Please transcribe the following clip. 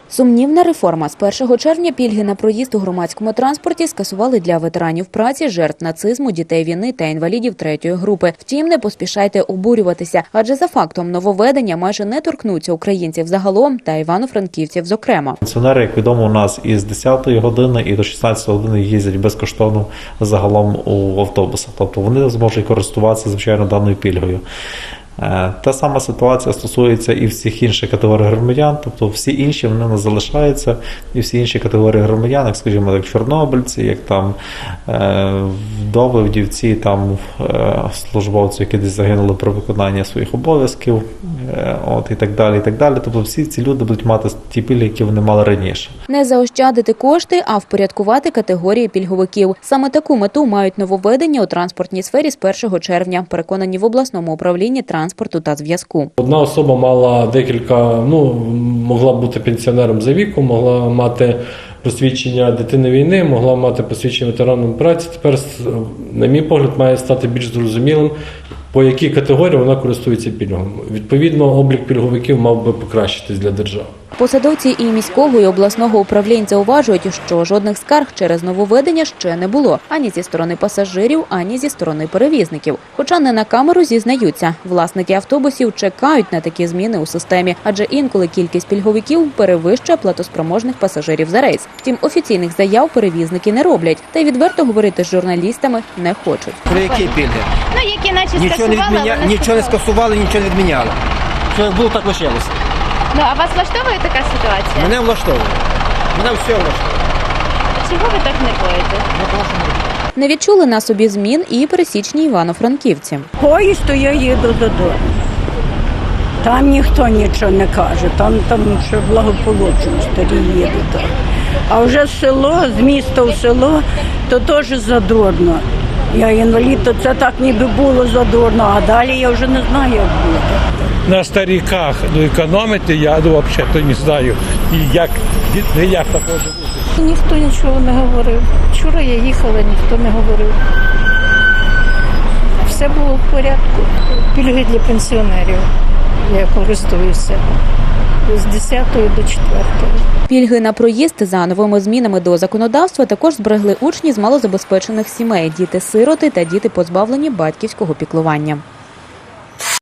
Сумнівна реформа. З 1 червня пільги на проїзд у громадському транспорті скасували для ветеранів праці, жертв нацизму, дітей війни та інвалідів третьої групи. Втім, не поспішайте обурюватися, адже за фактом нововведення майже не торкнуться українців загалом та івано-франківців зокрема. Пенсіонери, як відомо, у нас із 10-ї години і до 16-ї години їздять безкоштовно загалом у автобусах. Тобто вони зможуть користуватися, звичайно, даною пільгою. Та сама ситуація стосується і всіх інших категорій громадян, тобто всі інші вони не залишаються, і всі інші категорії громадян, як, скажімо, як чорнобильці, як там вдови, вдівці, там службовці, які десь загинули при виконанні своїх обов'язків, і так далі, і так далі. Тобто всі ці люди будуть мати ті пільги, які вони мали раніше. Не заощадити кошти, а впорядкувати категорії пільговиків. Саме таку мету мають нововведення у транспортній сфері з 1 червня, переконані в обласному управлінні транспорту та зв'язку. Одна особа мала могла бути пенсіонером за віком, могла мати посвідчення дитини війни, могла мати посвідчення ветераном праці. Тепер, на мій погляд, має стати більш зрозумілим, по якій категорії вона користується пільгами. Відповідно, облік пільговиків мав би покращитись для держави. Посадовці і міського, і обласного управлінь зауважують, що жодних скарг через нововведення ще не було. Ані зі сторони пасажирів, ані зі сторони перевізників. Хоча не на камеру зізнаються. Власники автобусів чекають на такі зміни у системі, адже інколи кількість пільговиків перевищує платоспроможних пасажирів за рейс. Втім, офіційних заяв перевізники не роблять. Та й відверто говорити з журналістами не хочуть. Про які пільги? Які наче скасували, нічого не скасували, нічого не відміняли. Що як було, так лишилося. А вас влаштовує така ситуація? Мене влаштовує. Мене все влаштовує. Чого ви так нервуєте? Не відчули на собі змін і пересічні івано-франківці. Поїзд, то я їду додому. Там ніхто нічого не каже, там ще благополучно старі їдуть. А вже з міста в село, то теж задурно. Я інвалід, то це так ніби було задурно, а далі я вже не знаю, як буде. На стариках економити, я взагалі не знаю, як так може бути. Ніхто нічого не говорив. Вчора я їхала, ніхто не говорив. Все було в порядку. Пільги для пенсіонерів. Я користуюся з 10 до 4. Пільги на проїзд за новими змінами до законодавства також зберегли учні з малозабезпечених сімей, діти-сироти та діти, позбавлені батьківського піклування.